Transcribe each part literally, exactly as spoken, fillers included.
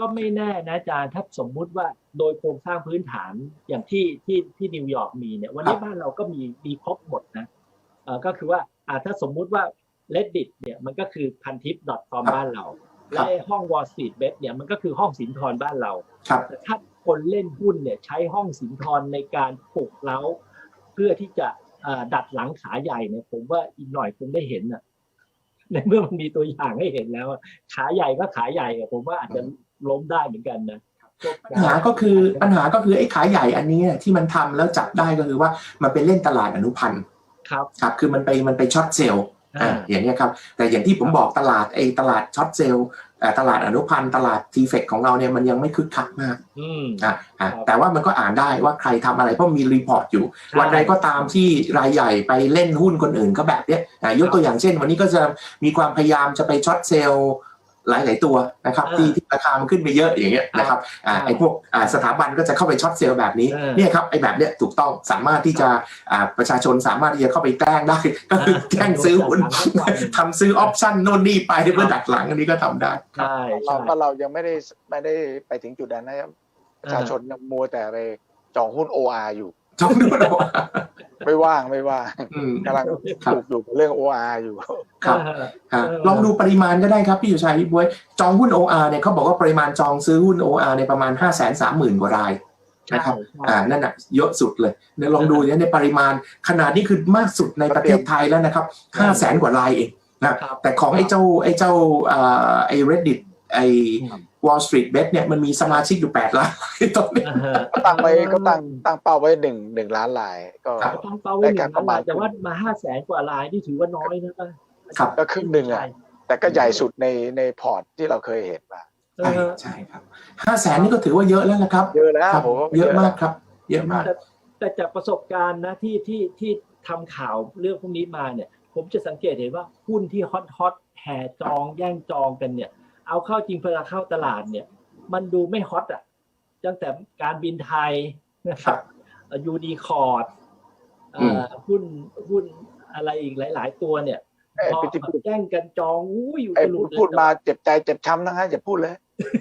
ก็ไม่แน่นะอาจารย์ถ้าสมมุติว่าโดยโครงสร้างพื้นฐานอย่างที่ที่ที่นิวยอร์กมีเนี่ยวันนี้บ้านเราก็มีมีครบหมดนะเอ่อก็คือว่าอ่าถ้าสมมุติว่า Reddit เนี่ยมันก็คือพันทิป .com บ้านเราและห้อง Wall Street Bet เนี่ยมันก็คือห้องสินทรบ้านเราแต่ถ้าคนเล่นหุ้นเนี่ยใช้ห้องสินทรในการปลุกเร้าเพื่อที่จะดัดหลังขาใหญ่เนี่ยผมว่าอีกหน่อยคงได้เห็นน่ะในเมื่อมันมีตัวอย่างให้เห็นแล้วขาใหญ่ก็ขาใหญ่ผมว่าอาจจะล้มได้เหมือนกันนะปัญหาก็คือปัญหาก็คือไอ้ขาใหญ่อันนี้ที่มันทำแล้วจับได้ก็คือว่ามันไปเล่นตลาดอนุพันธ์ครับครับคือมันไปมันไปช็อตเซลล์อ่าอย่างนี้ครับแต่อย่างที่ผมบอกตลาดไอ้ตลาดช็อตเซลล์ตลาดอนุพันธ์ตลาดทีเฟกของเราเนี่ยมันยังไม่คึกคักมากอ่าแต่ว่ามันก็อ่านได้ว่าใครทำอะไรเพราะมีรีพอร์ตอยู่วันใดก็ตามที่รายใหญ่ไปเล่นหุ้นคนอื่นก็แบบเนี้ยยกตัวอย่างเช่นวันนี้ก็จะมีความพยายามจะไปช็อตเซลล์หลายๆตัวนะครับที่ที่ราคามันขึ้นไปเยอะอย่างเงี้ยนะครับอ่าไอ้พวกอ่าสถาบันก็จะเข้าไปช็อตเซลล์แบบนี้เนี่ยครับไอ้แบบเนี้ยถูกต้องสามารถที่จะอ่าประชาชนสามารถที่จะเข้าไปแกล้งได้ก็คือแกล้งซื้อหุ้นทำซื้อออปชั่นโน่นนี่ไปเพื่อดักหลังอันนี้ก็ทำได้ใช่เราก็เรายังไม่ได้ไม่ได้ไปถึงจุดนั้นนะครับประชาชนยังมัวแต่ไปจองหุ้น โอ อาร์ อยู่จองหุ้น โอ อาร์ไม่ว่างไม่ว่างกำลังถูกอยู่เรื่อง โอ อาร์ อยู่ครับลองดูปริมาณก็ได้ครับพี่อยู่ชัยพี่บ๊วยจองหุ้น โอ อาร์ เนี่ยเขาบอกว่าปริมาณจองซื้อหุ้น โอ อาร์ ในประมาณ ห้าแสนสามหมื่น กว่ารายนะครับอ่านั่นน่ะเยอะสุดเลยเดี๋ยวลองดูเนี่ยในปริมาณขนาดนี้คือมากสุดในประเทศไทยแล้วนะครับ ห้าแสน กว่ารายเองนะแต่ของไอ้เจ้าไอ้เจ้าอ่าไอ้ Reddit ไอ้ Wall Street Bet เนี่ยมันมีสมาชิกอยู่แปดล้านตอนนี้ก็ตั้งไว้ก็ตั้งตั้งเป้าไว้หนึ่ง หนึ่งล้านรายก็ตั้งเป้าไว้หนึ่งล้านรายแต่ว่ามา ห้าแสน กว่ารายนี่ถือว่าน้อยนะครับก็ครึ่งนึงอ่ะแต่ก็ใหญ่สุดในในพอร์ตที่เราเคยเห็นมาใช่ใช่ครับ ห้าแสน นี่ก็ถือว่าเยอะแล้วนะครับเยอะแล้วเยอะมากครับเยอะมากแต่จากประสบการณ์นะที่ที่ที่ทำข่าวเรื่องพวกนี้มาเนี่ยผมจะสังเกตเห็นว่าหุ้นที่ฮอตฮอตแห่จองแย่งจองกันเนี่ยเอาเข้าจริงเวลาเข้าตลาดเนี่ยมันดูไม่ฮอตอ่ะตั้งแต่การบินไทยนะครับยูดีคอร์ดหุ้นหุ้นอะไรอีกหลายๆตัวเนี่ยพอแย่งกันจองอู้อยู่ตลอดพูดมาเจ็บใจเจ็บช้ำนะฮะอย่าพูดเลย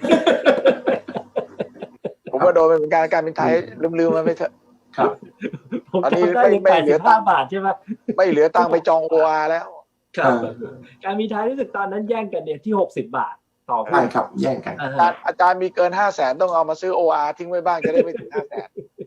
ผมว่าโดนเป็นการการบินไทยลืมๆมาไม่เถอะครับตอนนี้ไม่ไม่เหลือตังค์บาทใช่ไหมไม่เหลือตังค์ไปจองโออาร์แล้วครับการบินไทยรู้สึกตอนนั้นแย่งกันเนี่ยที่หกสิบบาทต่อใช่ครับแย่งกันอาจารย์มีเกินห้าแสนต้องเอามาซื้อ โอ อาร์ ทิ้งไว้บ้างจะได้ไม่ถึงห้าแสน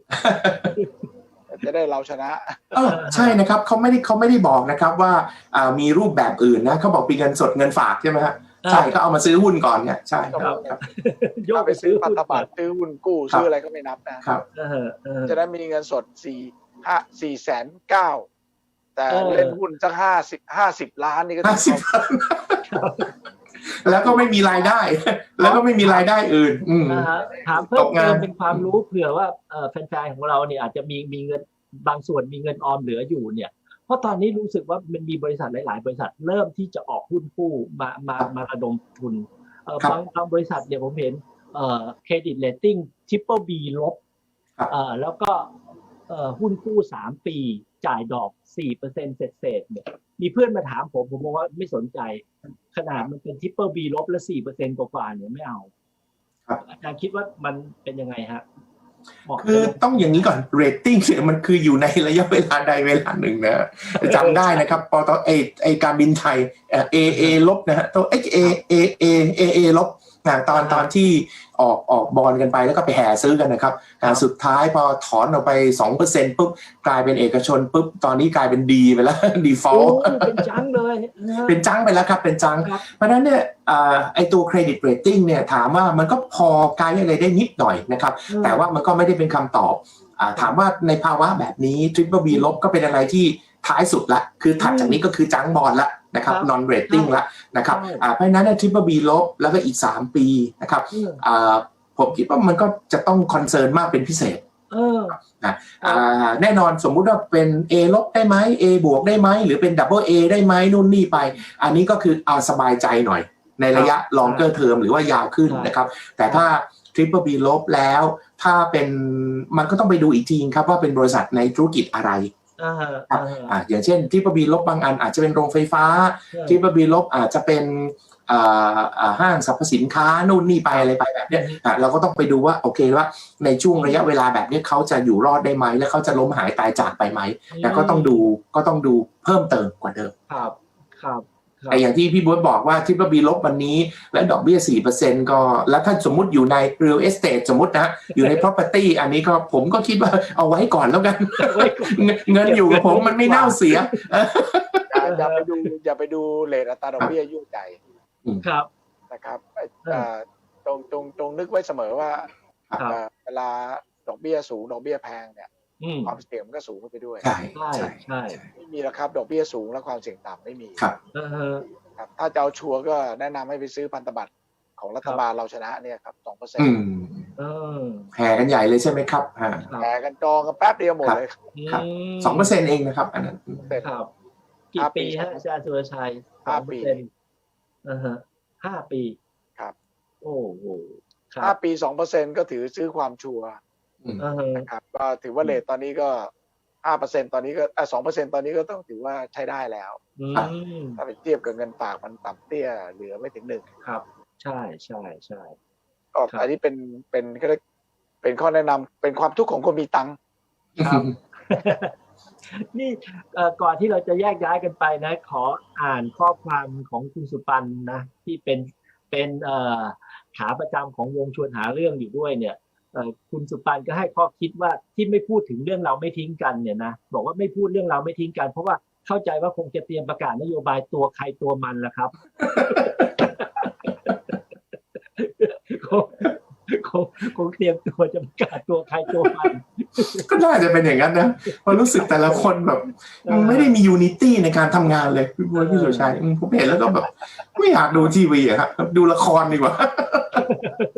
จะได้เราชนะเออใช่นะครับเขาไม่ได้เขาไม่ได้บอกนะครับว่ามีรูปแบบอื่นนะเขาบอกมีเงินสดเงินฝากใช่ไหมฮะใช่ก็เอามาซื้อหุ้นก่อนเนี่ยใช่ครับโยกไปซื้อพันธบัตรซื้อหุ้นกู้ซื้ออะไรก็ไม่นับนะครับจะได้มีเงินสดสี่ห้าสี่แสนเก้าแต่เล่นหุ้นสักห้าสิบห้าสิบล้านนี่ก็ห้าสิบล้านแล้วก็ไม่มีรายได้แล้วก็ไม่มีรายได้อื่นถามเพิ่มเติมเป็นความรู้เผื่อว่าแฟนๆของเราเนี่ยอาจจะมีมีเงินบางส่วนมีเงินออมเหลืออยู่เนี่ยเพราะตอนนี้รู้สึกว่ามันมีบริษัทหลายๆบริษัทเริ่มที่จะออกหุ้นกู้มามามาระดมทุนบางบางบริษัทเนี่ยผมเห็นเครดิตเรตติ้ง Triple B ลบแล้วก็หุ้นกู้สามปีจ่ายดอก สี่เปอร์เซ็นต์ เศษๆเนี่ยมีเพื่อนมาถามผมผมบอกว่าไม่สนใจขนาดมันเป็น Triple B ลบและ สี่เปอร์เซ็นต์ กว่าๆเนี่ยไม่เอาอาจารย์คิดว่ามันเป็นยังไงฮะคือต้องอย่างนี้ก่อนเรตติ้งเนี่ยมันคืออยู่ในระยะเวลาใดเวลาหนึ่งนะจำได้นะครับปตไอไอการบินไทยเอเอเอลบนะฮะตัว เอ เอ เอ เอ เอ เอ ลบนะตอนตอนที่ออกออกบอลกันไปแล้วก็ไปแห่ซื้อกันนะครับสุดท้ายพอถอนออกไป สองเปอร์เซ็นต์ ปุ๊บกลายเป็นเอกชนปุ๊บตอนนี้กลายเป็นดีไปแล้ว default เป็นจังเลยเป็นจังไปแล้วครับเป็นจังเพราะนั้นเนี่ยไอตัวเครดิตเรตติ้งเนี่ยถามว่ามันก็พอไกด์อะไรได้นิดหน่อยนะครับแต่ว่ามันก็ไม่ได้เป็นคำตอบถามว่าในภาวะแบบนี้ Triple B ลบก็เป็นอะไรที่ท้ายสุดละคือถัดจากนี้ก็คือจังบอลละนะครับ non rating ละนะครับเพราะฉะนั้น Triple B ลบแล้วก็อีกสามปีนะครับผมคิดว่ามันก็จะต้องคอนเซิร์นมากเป็นพิเศษนะแน่นอนสมมุติว่าเป็น A ลบได้ไหม A บวกได้ไหมหรือเป็น Double A ได้ไหมนู่นนี่ไปอันนี้ก็คือเอาสบายใจหน่อยในระยะ longer term หรือว่ายาวขึ้นนะครับแต่ถ้า Triple B ลบแล้วถ้าเป็นมันก็ต้องไปดูอีกทีครับว่าเป็นบริษัทในธุรกิจอะไรครับอย่างเช่น Triple B ลบบางอันอาจจะเป็นโรงไฟฟ้า Triple B ลบอาจจะเป็นอ่าอ่าห้างสรรพสินค้านู่นนี่ไปอะไรไปแบบเนี้ยอ่ะเราก็ต้องไปดูว่าโอเคว่าในช่วงระยะเวลาแบบนี้เขาจะอยู่รอดได้ไหมและเขาจะล้มหายตายจากไปไหมแต่ก็ต้องดูก็ต้องดูเพิ่มเติมกว่าเดิมครับครับแต่อย่างที่พี่บ๊วยบอกว่าทริปเปอร์บีลบวันนี้และดอกเบี้ย สี่เปอร์เซ็นต์ ก็แล้วถ้าสมมุติอยู่ใน real estate สมมตินะอยู่ใน property อันนี้ก็ผมก็คิดว่าเอาไว้ก่อนแล้วกันเงินอยู่กับผมมันไม่เน่าเสียอย่าไปดูอย่าไปดูเรทอัตราดอกเบี้ยยุ่งใจครับนะครับตรงตรงตรงนึกไว้เสมอว่าเวลาดอกเบี้ยสูงดอกเบี้ยแพงเนี่ยความเสี่ยงมันก็สูงขึ้นไปด้วยใช่ใช่ใช่ไม่มีแล้วครับดอกเบี้ยสูงและความเสี่ยงต่ำไม่มีครับครับถ้าจะเอาชัวร์ก็แนะนำให้ไปซื้อพันธบัตรของรัฐบาลเราชนะเนี่ยครับสองเปอร์เซ็นต์แห่กันใหญ่เลยใช่ไหมครับแห่กันจองกันแป๊บเดียวหมดเลยครับสองเปอร์เซ็นต์เองนะครับอันนั้นครับกี่ปีฮะอาจารย์สุรชัยห้าปีอ่าฮะห้าปีครับโอ้โหห้าปีสองเปอร์เซ็นต์ก็ถือซื้อความชัวร์นะครับก็ถือว่าเรทตอนนี้ก็ห้าเปอร์เซ็นต์ตอนนี้ก็อ่ะสองเปอร์เซ็นต์ตอนนี้ก็ต้องถือว่าใช้ได้แล้วถ้าไปเทียบกับเงินฝากมันต่ำเตี้ยเหลือไม่ถึงหนึ่งครับใช่ใช่ใช่ก็อันนี้เป็นเป็นก็เป็นข้อแนะนำเป็นความทุกข์ของคนมีตังค์ครับนี่ก่อนที่เราจะแยกย้ายกันไปนะขออ่านข้อความของคุณสุปันนะที่เป็นเป็นขาประจำของวงชวนหาเรื่องอยู่ด้วยเนี่ยคุณสุปันก็ให้ข้อคิดว่าที่ไม่พูดถึงเรื่องเราไม่ทิ้งกันเนี่ยนะบอกว่าไม่พูดเรื่องเราไม่ทิ้งกันเพราะว่าเข้าใจว่าคงจะเตรียมประกาศนโยบายตัวใครตัวมันละครับคงคงคงเตรียมตัวจะประกาศตัวใครตัวมันก็น่าจะเป็นอย่างนั้นนะเพราะรู้สึกแต่ละคนแบบไม่ได้มียูนิตี้ในการทำงานเลยพี่บ๊วยพี่สุรชัยผมเห็นแล้วก็แบบไม่อยากดูทีวีอะครับดูละครดีกว่า